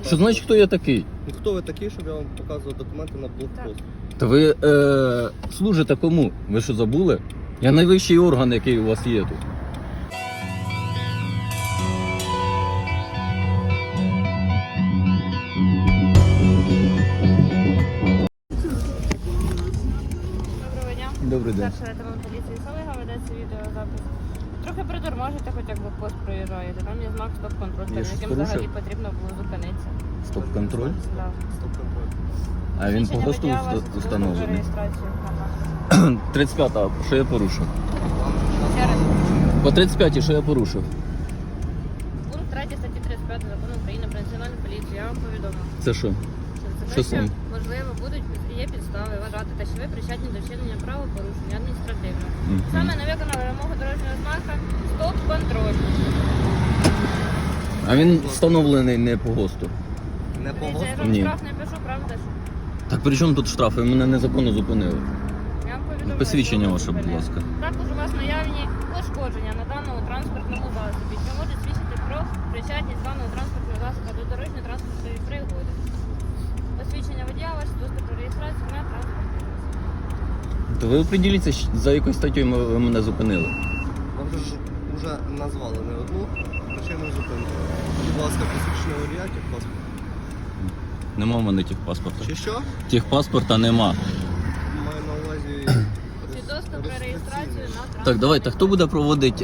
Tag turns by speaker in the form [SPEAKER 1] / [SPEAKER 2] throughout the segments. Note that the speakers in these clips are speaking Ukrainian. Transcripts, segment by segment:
[SPEAKER 1] Що значить, хто я такий?
[SPEAKER 2] Ну, хто ви такий, щоб я вам показував документи на блокпост?
[SPEAKER 1] Та ви служите кому? Ви що забули? Я найвищий орган, який у вас є тут.
[SPEAKER 3] Доброго дня.
[SPEAKER 1] Добрий день.
[SPEAKER 3] Старший лейтенант поліції Солига, ведеться відеозапис. Трохи притормажите, хоч як блокпост проїжджаєте. Там є знак стоп-контроль,
[SPEAKER 1] Я
[SPEAKER 3] перед
[SPEAKER 1] щось
[SPEAKER 3] яким
[SPEAKER 1] порушив?
[SPEAKER 3] взагалі потрібно було зупинитися.
[SPEAKER 1] Стоп-контроль?
[SPEAKER 3] Да.
[SPEAKER 2] Стоп-контроль.
[SPEAKER 1] А він по
[SPEAKER 3] Свідчення
[SPEAKER 1] ГОСТу
[SPEAKER 3] водія вас
[SPEAKER 1] встановлений.
[SPEAKER 3] реєстрацію.
[SPEAKER 1] 35-та, що я порушив?
[SPEAKER 3] Ще раз.
[SPEAKER 1] По 35-й, що я порушив?
[SPEAKER 3] Пункт 3 статті 35 Закону України про національну поліцію. Я вам повідомив.
[SPEAKER 1] Це що?
[SPEAKER 3] Що
[SPEAKER 1] Що саме?
[SPEAKER 3] можливо, є підстави вважати, те, що ви причетні до вчинення правопорушення адміністративного.
[SPEAKER 1] Мгм.
[SPEAKER 3] Саме не виконали вимогу дорожнього знака стоп-контроль.
[SPEAKER 1] А він встановлений не по ГОСТу.
[SPEAKER 2] Не по
[SPEAKER 3] Дивіться, я
[SPEAKER 2] ГОСТу?
[SPEAKER 3] вам
[SPEAKER 1] Ні.
[SPEAKER 3] штраф не пишу, правда ж?
[SPEAKER 1] Так при чому тут штрафи? Ви мене незаконно зупинили.
[SPEAKER 3] Я вам повідомляю,
[SPEAKER 1] Посвідчення
[SPEAKER 3] що ви
[SPEAKER 1] ваше, будь
[SPEAKER 3] зупинили.
[SPEAKER 1] ласка.
[SPEAKER 3] Також у вас наявні пошкодження на даному транспортному засобі, що може свідчити про причетність даного транспортного засобу до дорожньої транспортної пригоди. Посвідчення водія ваше, доступ до реєстрації на транспортний засіб.
[SPEAKER 1] То ви оприділіться, за якою статтею ви мене зупинили.
[SPEAKER 2] Вам же ж вже назвали не одну причину зупинки. Будь ласка, посвідчення водія, техпаспорт.
[SPEAKER 1] Нема в мене техпаспорта.
[SPEAKER 2] Чи що?
[SPEAKER 1] Техпаспорта нема.
[SPEAKER 2] Маю на увазі...
[SPEAKER 3] Свідоцтво про реєстрацію на транспортний
[SPEAKER 1] Так, давайте, хто буде проводити,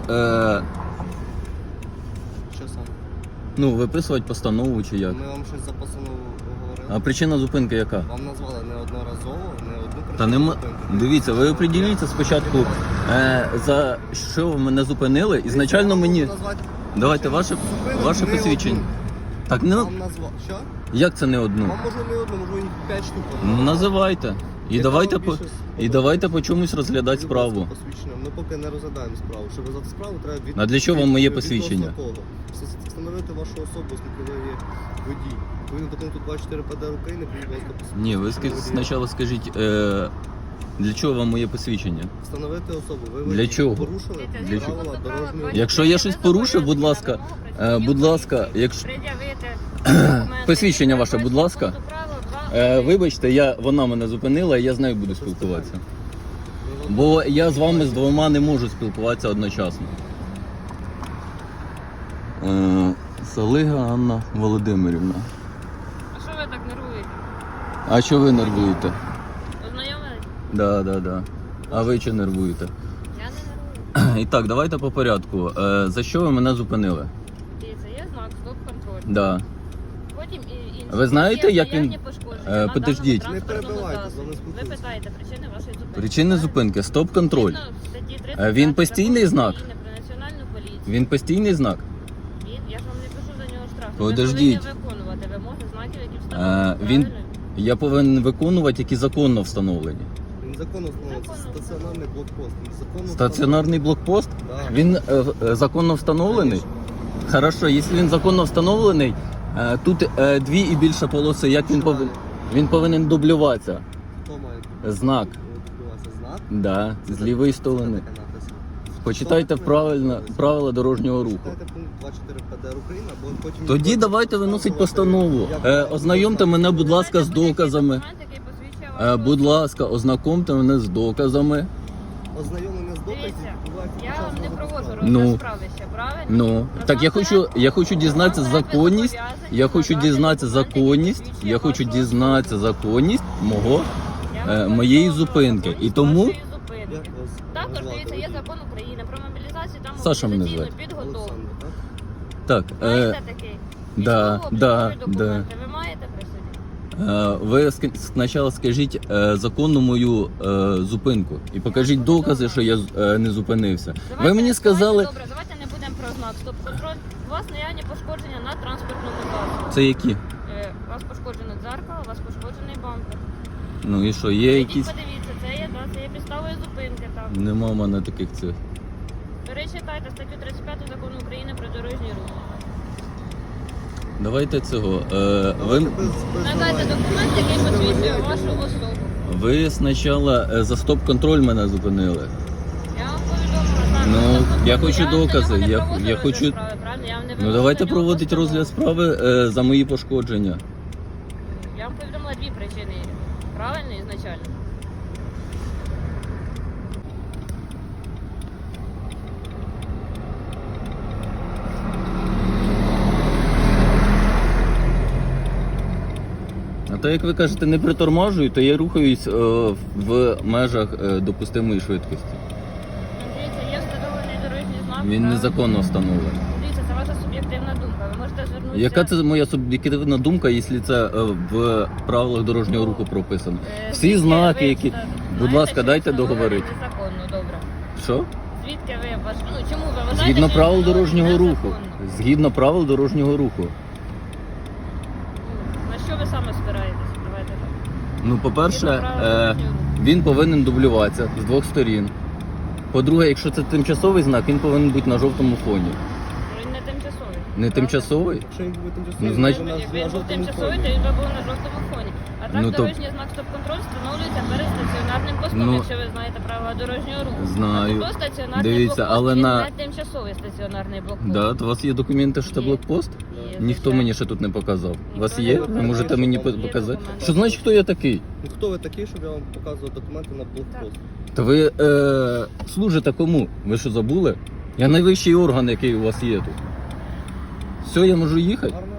[SPEAKER 2] Що саме?
[SPEAKER 1] ну, виписувати постанову чи як?
[SPEAKER 2] Ми вам щось за постанову говорили.
[SPEAKER 1] А причина зупинки яка?
[SPEAKER 2] Вам назвали неодноразово, не одну причину
[SPEAKER 1] Та нема.
[SPEAKER 2] зупинки.
[SPEAKER 1] Дивіться, ви оприділіться спочатку, за що ви мене зупинили. Ізначально мені.
[SPEAKER 2] Назвати
[SPEAKER 1] Давайте
[SPEAKER 2] причину
[SPEAKER 1] ваше
[SPEAKER 2] зупинок не
[SPEAKER 1] посвідчення.
[SPEAKER 2] одну.
[SPEAKER 1] Так, не
[SPEAKER 2] Вам назвав. Що?
[SPEAKER 1] як це не одну?
[SPEAKER 2] Вам можу не одну, можу їх 5 штук.
[SPEAKER 1] Ну називайте. І
[SPEAKER 2] Яка
[SPEAKER 1] давайте
[SPEAKER 2] вам
[SPEAKER 1] по
[SPEAKER 2] більше
[SPEAKER 1] і давайте по чомусь розглядати
[SPEAKER 2] Будь ласка,
[SPEAKER 1] справу.
[SPEAKER 2] посвідчення. Ми поки не розглядаємо справу. Щоб розглядати справу, треба
[SPEAKER 1] А для чого вам моє
[SPEAKER 2] відносно
[SPEAKER 1] посвідчення?
[SPEAKER 2] кого? Встановити вашу особу, оскільки ви є водій. Відповідно до пункту 24 ПДР України, будь ласка, посвідчення.
[SPEAKER 1] Ні, ви
[SPEAKER 2] Водія.
[SPEAKER 1] спочатку скажіть, для чого вам моє посвідчення?
[SPEAKER 2] Встановити особу. Ви
[SPEAKER 1] Для
[SPEAKER 2] водій.
[SPEAKER 1] чого?
[SPEAKER 2] Порушили
[SPEAKER 1] Для
[SPEAKER 2] правила
[SPEAKER 3] чого?
[SPEAKER 2] дорожнього руху.
[SPEAKER 1] Якщо я щось порушив, будь ласка, будь ласка, якщо посвідчення ваше, будь ласка. Вибачте, вона мене зупинила, і я з нею буду спілкуватися. Бо я з вами з двома не можу спілкуватися одночасно. Солига Анна Володимирівна.
[SPEAKER 3] А що ви так нервуєте?
[SPEAKER 1] А що ви нервуєте?
[SPEAKER 3] Ознайомились?
[SPEAKER 1] Да. А ви чи нервуєте?
[SPEAKER 3] Я не нервую.
[SPEAKER 1] І так, давайте по порядку. За що ви мене зупинили?
[SPEAKER 3] Дивіться, є знак стоп-контроль.
[SPEAKER 1] Да.
[SPEAKER 3] Потім і інші.
[SPEAKER 1] Ви знаєте,
[SPEAKER 3] Є
[SPEAKER 1] як він-
[SPEAKER 3] наявні пошкодження на
[SPEAKER 1] подождіть.
[SPEAKER 3] даному
[SPEAKER 2] Не
[SPEAKER 3] транспортному
[SPEAKER 2] перебивайте,
[SPEAKER 3] засобі.
[SPEAKER 2] з вами
[SPEAKER 3] Ви
[SPEAKER 2] спілкуюся.
[SPEAKER 3] питаєте причини вашої зупинки.
[SPEAKER 1] Причини
[SPEAKER 3] правильно?
[SPEAKER 1] зупинки, стоп-контроль.
[SPEAKER 3] Згідно статті 30
[SPEAKER 1] Він постійний
[SPEAKER 3] Закону
[SPEAKER 1] знак?
[SPEAKER 3] України про національну поліцію.
[SPEAKER 1] Він постійний знак?
[SPEAKER 3] Він, я ж вам не пишу за нього штраф.
[SPEAKER 1] Подождіть.
[SPEAKER 3] Ви повинні виконувати вимоги знаків, які встановлені.
[SPEAKER 1] Він
[SPEAKER 3] правильно?
[SPEAKER 1] я повинен виконувати, які законно встановлені.
[SPEAKER 2] Він законно встановлений. Це
[SPEAKER 3] Законно
[SPEAKER 2] стаціонарний блокпост. Він законно
[SPEAKER 1] Стаціонарний блокпост?
[SPEAKER 2] встановлений. Да.
[SPEAKER 1] Він законно встановлений? Хорошо, якщо він законно встановлений, тут дві і більше полоси, як він повинен? Він повинен дублюватися.
[SPEAKER 2] Хто має
[SPEAKER 1] Знак.
[SPEAKER 2] відбуватися знак?
[SPEAKER 1] Да, з лівої сторони.
[SPEAKER 2] Це таке написано.
[SPEAKER 1] Почитайте правила дорожнього руху.
[SPEAKER 2] Читайте пункт 24 ПДР України, або потім...
[SPEAKER 1] Тоді давайте виносить постанову. Ознайомте мене, будь ласка, з доказами.
[SPEAKER 3] Документ, який посвідчує вашу
[SPEAKER 1] Будь
[SPEAKER 3] особу.
[SPEAKER 1] ласка, ознакомте мене з доказами.
[SPEAKER 2] Ознайомлення з доказів
[SPEAKER 3] Дивіться,
[SPEAKER 2] відбувається під
[SPEAKER 3] я
[SPEAKER 2] час
[SPEAKER 3] вам не
[SPEAKER 2] розгляду
[SPEAKER 3] проводжу
[SPEAKER 2] справи.
[SPEAKER 1] Ну.
[SPEAKER 3] розгляд справи ще, правильно?
[SPEAKER 1] Ну, так я хочу дізнатися законність. Я хочу дізнатися законність. Я хочу дізнатися законність моєї зупинки. І тому
[SPEAKER 2] Як вас
[SPEAKER 3] також
[SPEAKER 2] назвати?
[SPEAKER 3] дивіться, є закон України про мобілізацію та
[SPEAKER 1] Саша мене
[SPEAKER 3] мобілізаційну
[SPEAKER 1] звати.
[SPEAKER 3] підготовку.
[SPEAKER 2] Олександр, так?
[SPEAKER 1] так,
[SPEAKER 3] Маєте такий?
[SPEAKER 1] да,
[SPEAKER 3] Військово-облікові
[SPEAKER 1] да,
[SPEAKER 3] документи ви маєте при собі?
[SPEAKER 1] ви спочатку скажіть законну мою зупинку і покажіть докази, що я не зупинився. Ви мені сказали,
[SPEAKER 3] Добре, давайте не будемо про знак стоп-контроль. У вас наявні пошкодження на транспортному засобі.
[SPEAKER 1] це які?
[SPEAKER 3] У вас пошкоджено дзеркало, у вас пошкоджений бампер.
[SPEAKER 1] Ну і що, є
[SPEAKER 3] Ідіть,
[SPEAKER 1] якісь?
[SPEAKER 3] подивіться, це є підставою зупинки там.
[SPEAKER 1] Нема в мене таких цих.
[SPEAKER 3] Перечитайте статтю 35 Закону України про дорожній рух.
[SPEAKER 1] Давайте цього.
[SPEAKER 2] Давайте без
[SPEAKER 3] Надайте
[SPEAKER 2] давай.
[SPEAKER 3] документ, який посвідчує вашу особу.
[SPEAKER 1] Ви спочатку за стоп-контроль мене зупинили.
[SPEAKER 3] Я вам повідомила.
[SPEAKER 1] Ну,
[SPEAKER 3] так,
[SPEAKER 1] я хочу
[SPEAKER 3] вам
[SPEAKER 1] докази,
[SPEAKER 3] не
[SPEAKER 1] я
[SPEAKER 3] проводжу
[SPEAKER 1] хочу-
[SPEAKER 3] розгляд справи, правильно? Я вам не не
[SPEAKER 1] Ну давайте
[SPEAKER 3] виносить на нього
[SPEAKER 1] проводити
[SPEAKER 3] постанову.
[SPEAKER 1] розгляд справи за мої пошкодження.
[SPEAKER 3] Я вам повідомила дві причини. Правильно ізначально?
[SPEAKER 1] А то, як ви кажете, не притормажую, то я рухаюсь в межах допустимої швидкості.
[SPEAKER 3] Дивіться, є встановлений дорожній знак.
[SPEAKER 1] Він
[SPEAKER 3] правильно?
[SPEAKER 1] незаконно встановлений.
[SPEAKER 3] Дивіться, це ваша суб'єктивна думка. Ви можете звернутися...
[SPEAKER 1] Яка це моя суб'єктивна думка, якщо це в правилах дорожнього руху прописано? Всі
[SPEAKER 3] Звідки
[SPEAKER 1] знаки,
[SPEAKER 3] ви
[SPEAKER 1] які.
[SPEAKER 3] знаєте,
[SPEAKER 1] Будь ласка,
[SPEAKER 3] що
[SPEAKER 1] дайте
[SPEAKER 3] встановлено
[SPEAKER 1] договорити.
[SPEAKER 3] Незаконно, добре.
[SPEAKER 1] Що?
[SPEAKER 3] Звідки ви ну, чому ви вважаєте,
[SPEAKER 1] Згідно
[SPEAKER 3] що
[SPEAKER 1] правил
[SPEAKER 3] встановлено
[SPEAKER 1] дорожнього руху.
[SPEAKER 3] незаконно?
[SPEAKER 1] Згідно правил дорожнього руху.
[SPEAKER 3] На що ви саме спираєтесь? Давайте так.
[SPEAKER 1] Ну, по-перше,
[SPEAKER 3] Згідно правил дорожнього руху.
[SPEAKER 1] він повинен дублюватися з двох сторін. По-друге, якщо це тимчасовий знак, він повинен бути на жовтому фоні.
[SPEAKER 3] Він не тимчасовий.
[SPEAKER 1] Не
[SPEAKER 3] правда?
[SPEAKER 1] тимчасовий?
[SPEAKER 2] Якщо він буде тимчасовий,
[SPEAKER 1] Ну, значить-
[SPEAKER 2] то
[SPEAKER 3] Якби
[SPEAKER 2] на
[SPEAKER 3] він був
[SPEAKER 2] жовтому
[SPEAKER 3] тимчасовий,
[SPEAKER 2] фоні.
[SPEAKER 3] то він би був на жовтому фоні. А так
[SPEAKER 1] Ну, то-
[SPEAKER 3] дорожній знак стоп-контроль встановлюється перед стаціонарним постом,
[SPEAKER 1] Ну,
[SPEAKER 3] якщо ви знаєте правила дорожнього руху.
[SPEAKER 1] знаю.
[SPEAKER 3] А то стаціонарний
[SPEAKER 1] Дивіться,
[SPEAKER 3] блокпост,
[SPEAKER 1] але
[SPEAKER 3] він
[SPEAKER 1] на-
[SPEAKER 3] не тимчасовий стаціонарний блокпост.
[SPEAKER 1] Да, то у вас є документи, що це
[SPEAKER 3] Є.
[SPEAKER 1] блокпост?
[SPEAKER 3] Є,
[SPEAKER 1] Ніхто
[SPEAKER 3] звичайно.
[SPEAKER 1] мені ще тут не показав. У вас
[SPEAKER 3] Ніхто
[SPEAKER 1] є?
[SPEAKER 3] не
[SPEAKER 1] Ви
[SPEAKER 3] показав.
[SPEAKER 1] можете мені
[SPEAKER 2] Є
[SPEAKER 1] показати?
[SPEAKER 3] документи.
[SPEAKER 1] Що значить, хто я такий?
[SPEAKER 2] Ну, хто ви такий, щоб я вам показував документи на блокпост?
[SPEAKER 1] Та ви служите кому? Ви що забули? Я найвищий орган, який у вас є тут. Все, я можу їхати?
[SPEAKER 2] Гарно